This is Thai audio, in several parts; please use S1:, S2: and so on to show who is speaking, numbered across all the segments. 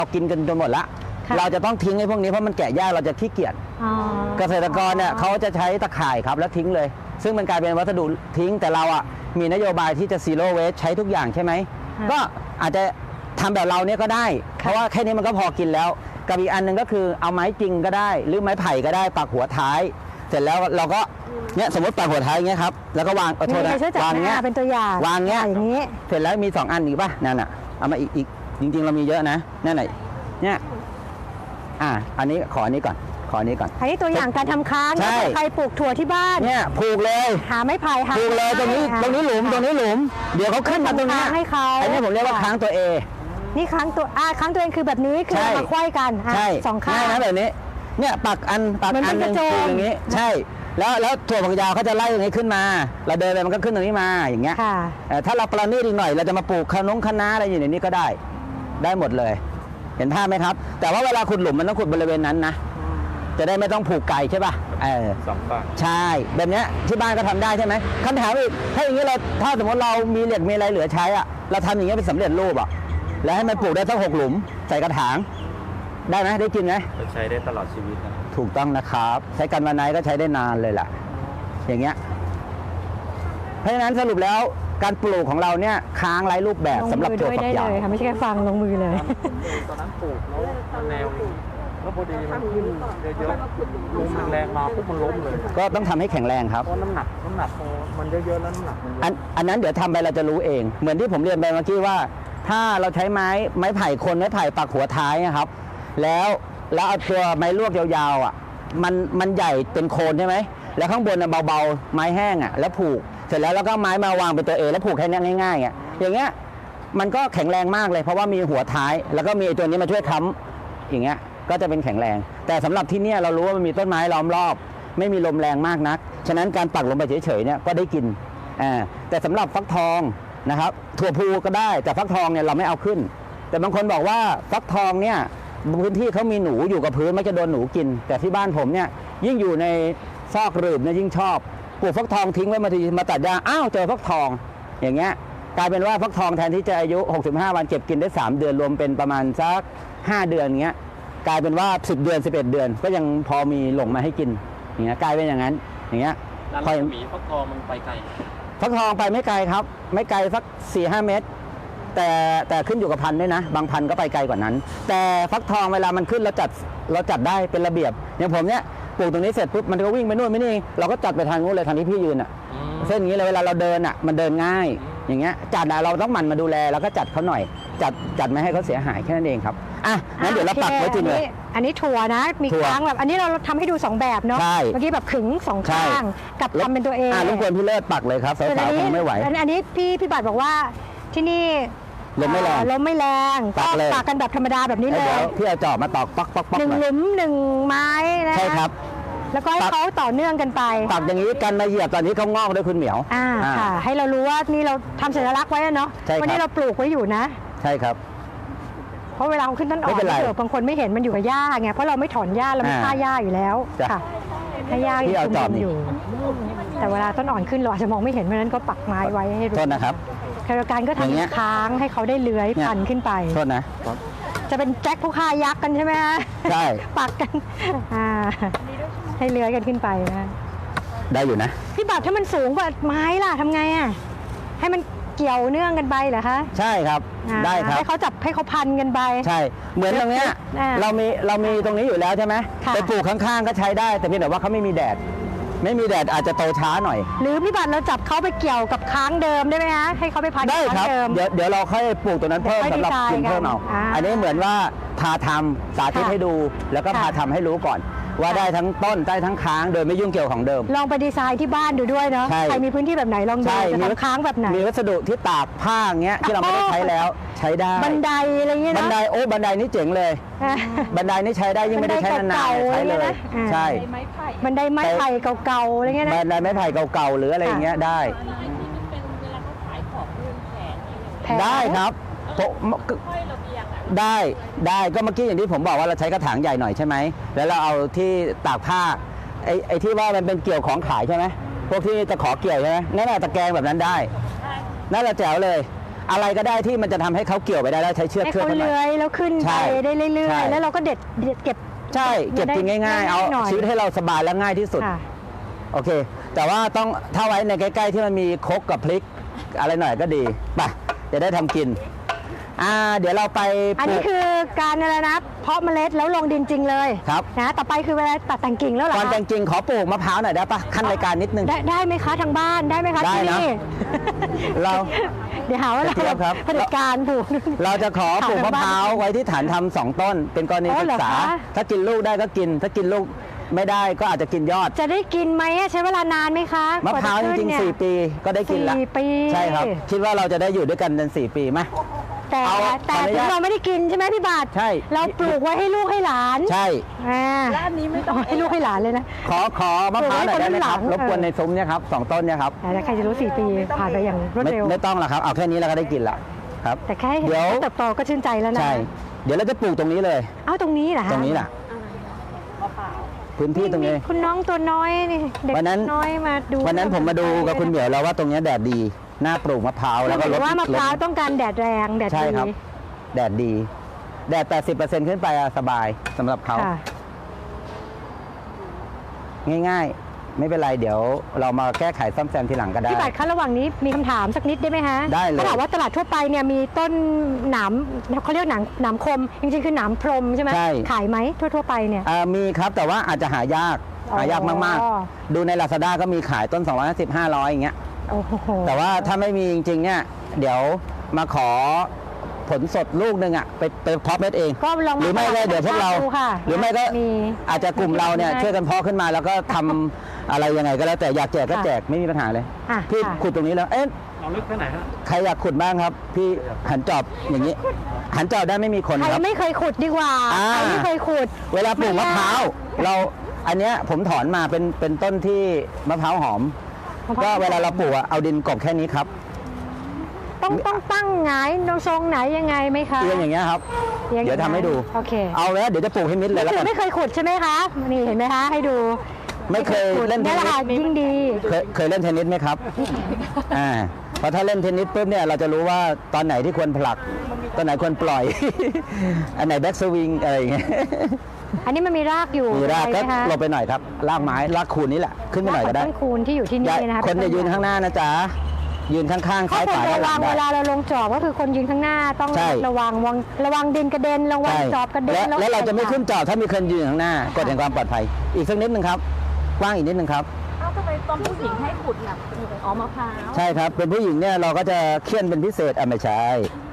S1: เรากินกันจนหมดละเราจะต้องทิ้งไอ้พวกนี้เพราะมันแกะยากเราจะขี้เกียจเกษตรกรเนี่ยเขาจะใช้ตะข่ายครับแล้วทิ้งเลยซึ่งมันกลายเป็นวัสดุทิ้งแต่เราอ่ะมีนโยบายที่จะ zero waste ใช้ทุกอย่างใช่ไหมก็อาจจะทำแบบเราเนี่ยก็ได้เพราะว่าแค่นี้มันก็พอกินแล้วกับอีกอันหนึ่งก็คือเอาไม้จริงก็ได้หรือไม้ไผ่ก็ได้ปักหัวท้ายเสร็จแล้วเราก็เนี่ยสมมติปักหัวท้ายอย่างเงี้ยครับแล้วก็วางโทษนะวางเงี้ย
S2: เป็นตัวอย่าง
S1: วางเงี้ย
S2: อย่างนี้
S1: เสร็จแล้วมี2อันอีกป่ะนั่นน่ะเอามาอีกจริงๆเรามีเยอะนะนั่นไหนเนี่ยอันนี้ขออันนี้ก่อนอันนี้
S2: ตัวอย่างการทำค้างใครปลูกถั่วที่บ้าน
S1: เนี่ยผูกเลย
S2: หาไม้ไผ่
S1: ผูกเลยตรงนี้หลุมเดี๋ยวเขาขึ้นมาตรงนี้
S2: ให้เขา
S1: อันนี้ผมเรียกว่าค้างตัวเอ
S2: นี่ค้างตัวเองคือแบบนี้คือมาควยกันสองข้าง
S1: นะแบบนี้เนี่ยปักอันนึงอย่างนี้ใช่แล้วถั่วฝักยาวเขาจะไล่ตรงนี้ขึ้นมาเราเดินไปมันก็ขึ้นตรงนี้มาอย่างเงี้ยถ้าเราประณีตอีกหน่อยเราจะมาปลูกคะน้าอะไรอยู่ในนี้ก็ได้หมดเลยเห็นภาพไหมครับแต่ว่าเวลาขุดหลุมมันต้องขุดบริเวณนั้นนะจะได้ไม่ต้องผูกไก่ใช่ป่ะ
S3: สองฝั่ง
S1: ใช่แบบนี้ที่บ้านก็ทำได้ใช่ไหมคำถามอีกถ้าอย่างนี้เราถ้าสมมติเรามีเหล็กมีอะไรเหลือใช้อ่ะเราทำอย่างนี้เป็นสำเร็จรูปอ่ะแล้วให้มันปลูกได้สัก6 หลุมใส่กระถางได้ไหมได้กินไหม
S3: ใช้ได้ตลอดชีวิตนะ
S1: ถูกต้องนะครับใช้กันวันไหนก็ใช้ได้นานเลยล่ะอย่างเงี้ยเพราะฉะนั้นสรุปแล้วการปลูกของเราเนี่ยค้างไร้รูปแบบสำหรับถั่วฝักยาว
S2: ไม่ใช่แค่ฟังลงมือเลย
S3: ตอนนั้นปลูกแล้วแนวแล้วพอดีมันขึ้นเยอะๆลมแรงมาปุ๊บมันล้มเลย
S1: ก็ต้องทำให้แข็งแรงครับ
S3: เพราะน้ำหนักมันเยอะๆแล้วน้ำหนักมัน
S1: อันนั้นเดี๋ยวทำไปเราจะรู้เองเหมือนที่ผมเรียนไปเมื่อกี้ว่าถ้าเราใช้ไม้ไผ่ไม้ไผ่ปักหัวท้ายนะครับแล้วเอาตัวไม้ลวกยาวๆอ่ะมันใหญ่เป็นโคนใช่ไหมแล้วข้างบนเบาๆไม้แห้งอ่ะแล้วผูกเสร็จแล้วก็ไม้มาวางเป็นตัวเอแล้วผูกแค่นี้ง่ายๆอย่างเงี้ยมันก็แข็งแรงมากเลยเพราะว่ามีหัวท้ายแล้วก็มีตัวนี้มาช่วยค้ำอย่างเงี้ยก็จะเป็นแข็งแรงแต่สำหรับที่นี่เรารู้ว่ามันมีต้นไม้ล้อมรอบไม่มีลมแรงมากนักฉะนั้นการปักลงไปเฉยๆเนี่ยก็ได้กินแต่สำหรับฟักทองนะครับถั่วพูก็ได้แต่ฟักทองเนี่ยเราไม่เอาขึ้นแต่บางคนบอกว่าฟักทองเนี่ยพื้นที่เขามีหนูอยู่กับพื้นไม่จะโดนหนูกินแต่ที่บ้านผมเนี่ยยิ่งอยู่ในซอกหลืบเนี่ยยิ่งชอบปลูกฟักทองทิ้งไว้มาตัดหญ้าอ้าวเจอฟักทองอย่างเงี้ยกลายเป็นว่าฟักทองแทนที่จะอายุ65 วันเก็บกินได้3 เดือนรวมเป็นประมาณสัก5 เดือนเงี้ยกลายเป็นว่า10 เดือน11 เดือนก็ยังพอมีหลงมาให้กินอย่างเงี้ยกลายเป็นอย่างนั้นอย่างเงี้ย
S3: พอหมีฟักทองมันไปไกล
S1: ฟักทองไปไม่ไกลครับไม่ไกลสัก 4-5 เมตรแต่ขึ้นอยู่กับพันธุ์ด้วยนะบางพันธุ์ก็ไปไกลกว่านั้นแต่ฟักทองเวลามันขึ้นเราจัดได้เป็นระเบียบอย่างผมเนี้ยปลูกตรงนี้เสร็จปุ๊บมันก็วิ่งไปนู่นไม่นี่เราก็จัดไปทางนู้นเลยทางที่พี่ยืนอ่ะเส้นนี้เลยเวลาเราเดินอ่ะมันเดินง่ายอย่างเงี้ยจัดเราต้องหมั่นมาดูแลแล้วก็จัดเขาหน่อยจัดไม่ให้เขาเสียหายแค่นั้นเองครับงั้นเดี๋ยวเราปักไว้จริงเลย
S2: อันนี้ถั่วนะมีค้างแบบอันนี้เราทำให้ดู2แบบเนาะเมื่อกี้แบบขึง2ข้างกับทำเป็นตัวเอง
S1: รบกวนพี่เลิศปักเลยครับสาวๆคงไม่ไหว
S2: อันนี้พี่บัตรบอกว่าที่นี่
S1: ลมไม่แรง
S2: ก็ปักกันแบบธรรมดาแบบนี้เลย
S1: พี่เอาจอบมาตอกปัก
S2: 1 หลุม 1 ไม้นะ
S1: ใช่ครับ
S2: แล้วก็ให้เขาต่อเนื่องกันไป
S1: ปักอย่างนี้กันมาเหยียบตอนนี้เขางอกด้วยคุณเหมียว
S2: ค่ะให้เรารู้ว่านี่เราทำสัญลักษณ์ไว้เนาะวันนี้เราปลูกไว้อยู่นะ
S1: ใช่ครับ
S2: เพราะเวลาขึ้นต้นอ่อนบางคนไม่เห็นมันอยู่กับหญ้าไงเพราะเราไม่ถอนหญ้าเราไม่ฆ่าหญ้าอยู่แล้วค่ะให้หญ้าอยู่แต่เวลาต้นอ่อนขึ้นเราอาจจะมองไม่เห็นเพราะนั้นก็ปักไม้ไว้ให้รู้
S1: ต้นนะครับ
S2: การก็ทำค้างให้เขาได้เลื้อยพันขึ้นไป
S1: โทษนะ
S2: จะเป็นแจ็คผู้ฆ่ายักษ์กันใช่ไหมฮะ
S1: ใช่
S2: ปักกันให้เลื้อยกันขึ้นไปนะ
S1: ได้อยู่นะ
S2: พี่บัตรถ้ามันสูงกว่าไม้ล่ะทำไงอ่ะให้มันเกี่ยวเนื่องกันไปเหรอคะ
S1: ใช่ครับได้ครับ
S2: ให้เขาจับให้เขาพันกันไป
S1: ใช่เหมือนตรงเนี้ยเรามีตรงนี้อยู่แล้วใช่ไหมไปปลูกข้างๆก็ใช้ได้แต่เพียงแต่ว่าเขาไม่มีแดดอาจจะโตช้าหน่อย
S2: หรือพี่บัตรเราจับเขาไปเกี่ยวกับค้างเดิมได้ไหมฮะให้เขาไปพัน
S1: ได้ครับเดี๋ยวเราค่อยปลูกตัวนั้นเพิ่มสำหรับกินเพิ่มเอาอันนี้เหมือนว่าพาทำสาธิตให้ดูแล้วก็พาทำให้รู้ก่อนว่าได้ทั้งต้นได้ทั้งค้างโดยไม่ยุ่งเกี่ยวของเดิม
S2: ลองไปดีไซน์ที่บ้านดูด้วยเนาะใครมีพื้นที่แบบไหนลองดูจะทำค้างแบบไหน
S1: มีวัสดุที่ตากผ้าเงี้ยที่เราไม่ได้ใช้แล้วใช้ได้
S2: บันไดอะไรเงี้ยนะ
S1: บันไดนี่เจ๋งเลยบันไดนี่ใช้ได้ยิ่งไม่ได้ใช้นานๆใช้เลยใช่
S2: บันไดไม้ไผ่เก่าๆอะไรเงี้ยนะ
S1: บันไดไม้ไผ่เก่าๆหรืออะไรเงี้ยได้ได้ครับได้ก็เมื่อกี้อย่างที่ผมบอกว่าเราใช้กระถางใหญ่หน่อยใช่ไหมแล้วเราเอาที่ตากผ้าไอ้ที่ว่ามันเป็นเกี่ยวของขายใช่ไหมพวกที่ตะขอเกี่ยวใช่ไหมนั่นแหละตะแกรงแบบนั้นได้นั่นแหละแจ๋วเลยอะไรก็ได้ที่มันจะทำให้เขาเกี่ยวไปได้แล้วใช้เชือก
S2: ให้
S1: เชือก
S2: เขา
S1: เขาหน่
S2: เลื้
S1: อย
S2: อยแล้วขึ้น
S1: ใช่
S2: ไปได้เรื่
S1: ใช่
S2: อยๆแล้วเราก็เด็ดเก็บ
S1: ใช่เก็บกินง่ายๆ เอา
S2: หน่อย
S1: ชีวิตให้เราสบายและง่ายที่สุด
S2: ค่ะ
S1: โอเค แต่ว่าต้องถ้าไว้ในใกล้ๆที่มันมีครกกับพริกอะไรหน่อยก็ดีไปจะได้ทำกินเดี๋ยวเราไป
S2: อันนี้คือการอะไรนะเพาะเมล็ดแล้วลงดินจริงเลย
S1: ครับ
S2: นะต่อไปคือเวลาตัดแต่งกิ่งแล้วเหรอ
S1: ก่อน
S2: คะ
S1: แต่งจริงขอปลูกมะพร้าวหน่อยได้ปะขั้นรายการนิดนึง
S2: ได้ไหมคะทางบ้านได้ไหมคะ
S1: ได้
S2: ที่
S1: นะ
S2: นี่
S1: เรา
S2: เดี๋ยวหาว่าเรา
S1: เทียบครับ
S2: เผด็จการปลูก
S1: เราจะขอปลูก
S2: ถาม
S1: มะ
S2: ทาง
S1: พ
S2: บ้าน
S1: ร้าวไว้ที่ฐานทำ2 ต้น เป็นกรณี
S2: อ๋อ
S1: ศึ
S2: เหร
S1: ก
S2: อ
S1: ษา
S2: คะ
S1: ถ้ากินลูกได้ก็กิน ถ้ากินลูกไม่ได้ก็อาจจะกินยอด
S2: จะได้กินไหมอะใช้เวลานานไหมคะ
S1: มะพร้าวจริงๆ4 ปีก็ได้กินละ
S2: 4 ปี
S1: ใช่ครับ คิดว่าเราจะได้อยู่ด้วยกันจน4 ปีไหม
S2: แต่
S1: เอา
S2: แต่
S1: ขออนุ
S2: ถึ
S1: ญาต
S2: งเราไม่ได้กินใช่ไหมพี่บาท
S1: ใช่
S2: เราปลูกไว้ให้ลูกให้หลาน
S1: ใช่
S2: และอันนี้ไม่ต้องให้ลูกให้หลานเลยนะ
S1: ขอมะพร้าวหน่อยได้ไหมครับ
S2: ปลูกไว้คนละหลัง
S1: รบกวนในซุ้มเนี่ยครับ2 ต้นเนี่ยครับ
S2: แต่ใครจะรู้4 ปีผ่านไปอย่างรวด
S1: ไม่
S2: เร็ว
S1: ไม่ต้องหรอกครับเอาแค่นี้เราก็ได้กินละครับ
S2: แต่แค่เห็น
S1: เดี๋ยว
S2: เขาเติบโตก็ชื่นใจแล้วนะ
S1: ใช่ เดี๋ยวเราจะปลูกตรงนี้เลย
S2: เอ้าตรงนี้เหรอคะ
S1: ตรงนี้แหละพื้นที่ตรงนี้
S2: คุณน้องตัวน้อยนี่เด็ก
S1: วันนั้น
S2: น้อยมาดู
S1: วันนั้นผมมาดูกับคุณเหมียวแล้วว่าตรงเนี้ยแดดดีน่าปลูกมะพร้าวแล้วก็
S2: ห
S1: ล
S2: รื
S1: ด
S2: อว่ามะพร้าว
S1: ลด
S2: ต้องการแดดแรงแดด
S1: ใช่
S2: ดี
S1: ครับ แดดดี แดด 80%ขึ้นไปอะสบายสำหรับเขา
S2: ค่ะ
S1: ง่ายๆ ไม่เป็นไรเดี๋ยวเรามาแก้ไขซ่อมแซมทีหลังก็ได้
S2: พี่บัตรคะระหว่างนี้มีคำถามสักนิดได้ไหมฮะ
S1: ได้เลย
S2: ถ้าถามว่าตลาดทั่วไปเนี่ยมีต้นหนามเขาเรียกหนามคม จริงๆคือหนามพรมใช่ไหม
S1: ใช่
S2: ขายไหมทั่วๆไปเนี่ย
S1: มีครับแต่ว่าอาจจะหายาก
S2: อ๋อ
S1: หายากมากๆ ดูใน Lazada ก็มีขายต้น 250 500อย่างเงี้ย
S2: โอ้โห
S1: แต่ว่าถ้าไม่มีจริงๆเนี่ยเดี๋ยวมาขอผลสดลูกหนึ่งอ่ะไปเพาะเม็ดเอง
S2: ก็ลอง
S1: หรือไม่ก็เดี๋ยวพวกเรา
S2: ดูค่ะ
S1: หรือไม่ก็
S2: มี
S1: อาจจะกลุ่มเราเนี่ย
S2: มี
S1: ช่วยกันเพาะขึ้นมาแล้วก็ทำอะไรยังไงก็แล้วแต่อยากแจกก็แจกไม่มีปัญหาเลย
S2: อ่ะ
S1: พี่
S2: ค่ะ
S1: ขุดตรงนี้แล้วเอ๊ะ
S3: เอาลึกแค่ไหนฮะ
S1: ใครอยากขุดบ้างครับ พี่หันจอบอย่างนี้ หันจอบได้ไม่มีคน
S2: ใคร
S1: ครับ
S2: ไม่เคยขุดดีกว่า
S1: อ่า
S2: ใครไม่เคยขุด
S1: เวลาปลูกมะพร้าวเราอันเนี้ยผมถอนมาเป็นต้นที่มะพร้าวหอม ก็เวลาเราปลูกอะเอาดินกลบแค่นี้ครับ
S2: ต้องตั้งหงายทรงไหนยังไงไหมคะ
S1: เอียงอย่างเงี้ยครับ
S2: อีง
S1: เดี๋ยวทำให้ดู
S2: โอเค
S1: เอาแล้วเดี๋ยวจะปลูกให้มิดเลยแล้ว
S2: คื
S1: กั
S2: อน ไม่เคยขุดใช่ไหมคะนี่เห็นไหมคะให้ดู
S1: ไม่เคยเล่นเท
S2: นี่
S1: น
S2: แหละ
S1: นิ
S2: ค่ะ
S1: ส
S2: ยิ่งดี
S1: เคยเล่นเทนนิสไหมครับ เพราะถ้าเล่นเทนนิสปุ๊บเนี่ยเราจะรู้ว่าตอนไหนที่ควรผลัก ตอนไหนควรปล่อย อันไหนแบ็กสวิงอะไรอย่างเงี้ย
S2: อันนี้มันมีรากอยู่
S1: มีรากก็
S2: ใช่ไหมคะ
S1: ลงไปหน่อยครับรากไม้รากคูนนี่แหละขึ้นไปหน่อยก็ได้
S2: ต้นคูณที่อยู่ที่นี่นะคะ
S1: คนจะยืนข้างหน้านะจ๊ะยืนข้างๆ
S2: ข้อ
S1: ซ้าย
S2: คว
S1: ข
S2: ร
S1: วาด้านหลั
S2: ระวัง
S1: ง
S2: เวลา
S1: ได้
S2: เราลงจอบก็คือคนยืนข้างหน้าต้อง
S1: ใช่
S2: ระวังดินกระเด็นระวัง
S1: ใช่
S2: จอบกระเด็น
S1: และเราจะไม่ขึ้น
S2: ใส่
S1: จอดถ้ามีคนยืนข้างหน้ากฎแห่งความปลอดภัย อีกสักนิดนึงครับกว้างอีกนิดนึงครับ
S4: เอ้าทำไมตอนผู้หญิงให้ขุดเนี่ยอ๋อมะพร้าว
S1: ใช่ครับเป็นผู้หญิงเนี่ยเราก็จะเคี่ยนเป็นพิเศษไม่ใช่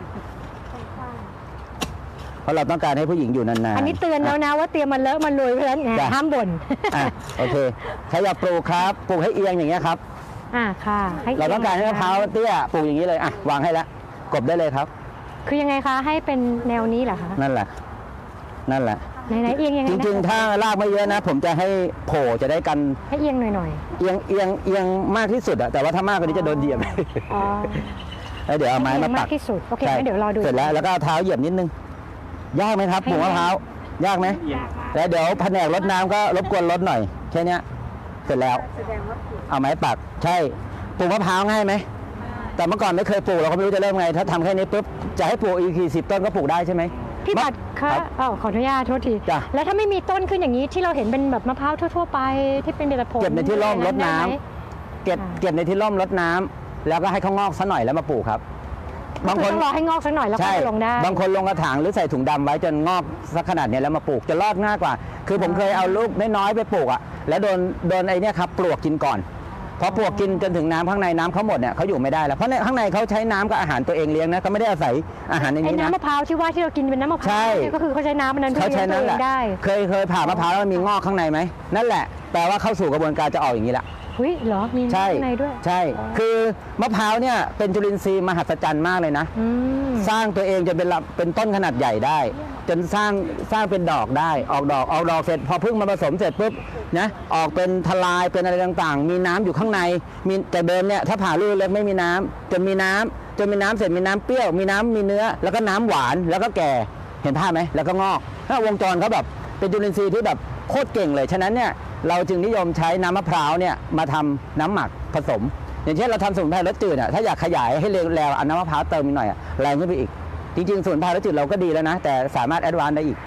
S1: เพราะเราต้องการให้ผู้หญิงอยู่นานๆ
S2: อันนี้เตือนแล้วนะว่าเตรียมมันเลอะมันลุยเพราะฉะนั้นไง
S1: จ้ะ
S2: ห้ามบ่น
S1: อ่ะโอเคใครอยากปลูกครับปลูกให้เอียงอย่างเงี้ยครับ
S2: ค่ะให้
S1: เราต้องการให้มะพร้าวเตี้ยปลูกอย่างนี้เลยอ่ะวางให้แล้วกบได้เลยครับ
S2: คือยังไงคะให้เป็นแนวนี้เหรอคะ
S1: นั่นแหละนั่นแหละ
S2: ไหนๆเอียงยังไง
S1: จ
S2: นะ
S1: ริงๆ ถ้ารากไม่เยอะนะ ผมจะให้โผล่จะได้กัน
S2: ให้เอียงหน่อย
S1: เอียงมากที่สุดอะแต่ว่าถ้ามากกว่านี้จะโดนเหยียบ
S2: ๆอ๋อ
S1: แล้วเดี๋ยวเอาไม้
S2: ให้เอี
S1: มาย
S2: ง
S1: ปั
S2: มาก กที่สุดโอเค
S1: ใช่
S2: งั้นเดี๋ยวรอดู
S1: เสร็จแล้วก็เอาเท้าเหยียบนิดนึงยากไหมครับปลูกมะพร้าวยากไหมแล้วเดี๋ยวแผนกรดน้ำก็รบกวนรดหน่อยแค่เนี้ยเสร็จแล้วเอาไม้ปักใช่ปลูกมะพร้าวง่ายไหมแต่เมื่อก่อนไม่เคยปลูกเราก็ไม่รู้จะเริ่มไง ถ้าทำแค่นี้ปุ๊บจะให้ปลูกอีก10 ต้นก็ปลูกได้ใช่ไหม
S2: พี่บัตรคะ
S1: รับ
S2: ขออนุญาตโทษที
S1: จ้ะ
S2: แล้วถ้าไม่มีต้นขึ้นอย่างนี้ที่เราเห็นเป็นแบบมะพร้าวทั่วๆไปที่เป็นเด็ดผล
S1: เก็บในที่ร่มรดน้ำ
S2: ได้ไหม
S1: เก็บในที่ร่มรดน้ำแล้วก็ให้เขางอกซะหน่อยแล้วมาปลูกครับ
S2: บางคนต้องรอให้งอกสักหน่อยแล้วก็
S1: ใช่
S2: ลงได้
S1: บางคนลงกระถางหรือใส่ถุงดำไว้จนงอกสักขนาดเนี้ยแล้วมาปลูกจะรอดง่ายกว่า คือผมเคยเอาลูกน้อยๆไปปลูกอ่ะแล้วโดนไอ้เนี่ยครับปลวกกินก่อนพอปลวกกินจนถึงน้ำข้างในน้ำเขาหมดเนี่ยเขาอยู่ไม่ได้แล้วเพราะในข้างในเขาใช้น้ำกับอาหารตัวเองเลี้ยงนะเขาไม่ได้อาศัยอาหารใน
S2: ไอ้
S1: นี้นะ
S2: น้ำมะพร้าวที่ว่าที่เรากินเป็นน้ำมะพร้าว
S1: ใช่
S2: เนี่ยก็คือเขาใช้น้ำมันนั้น
S1: เขาใช้นั่นแหละ
S2: เลี้ยงตัวเองได้
S1: เคยผ่ามะพร้าวแล้วมันมีงอกข้างในไหมนั่นแหละแปลว่าเข้าสู่กระบวนการจะออกอย่างนี้ละ
S2: เฮ้ยเหรอมี
S1: ใช่
S2: ข้างในด้วย
S1: ใช่คือมะพร้าวเนี่ยเป็นจุลินทรีย์มหัศจรรย์มากเลยนะ
S2: อืม
S1: สร้างตัวเองจนเป็นต้นขนาดใหญ่ได้ จนสร้างเป็นดอกได้ออกดอกเสร็จพอพึ่งมาผสมเสร็จปุ๊บนะออกเป็นทลายเป็นอะไรต่างๆ มีน้ำอยู่ข้างในมีแต่เดิมเนี่ยถ้าผ่าลูกเล็กไม่มีน้ำจนมีน้ำเสร็จมีน้ำเปรี้ยวมีน้ำมีเนื้อ แล้วก็น้ำหวานแล้วก็แก่เห็นภาพไหมแล้วก็งอกถ้าวงจรเขาแบบเป็นจุลินทรีย์ที่แบบโคตรเก่งเลยฉะนั้นเนี่ยเราจึงนิยมใช้น้ำมะพร้าวเนี่ยมาทำน้ำหมักผสมอย่างเช่นเราทำสมุนไพรรสจืดถ้าอยากขยายให้เร็วเอาน้ำมะพร้าวเติมอีกหน่อยแรงขึ้นไปอีกจริงๆสมุนไพรรสจืดเราก็ดีแล้วนะแต่สามารถแอดวานซ์ได้อีก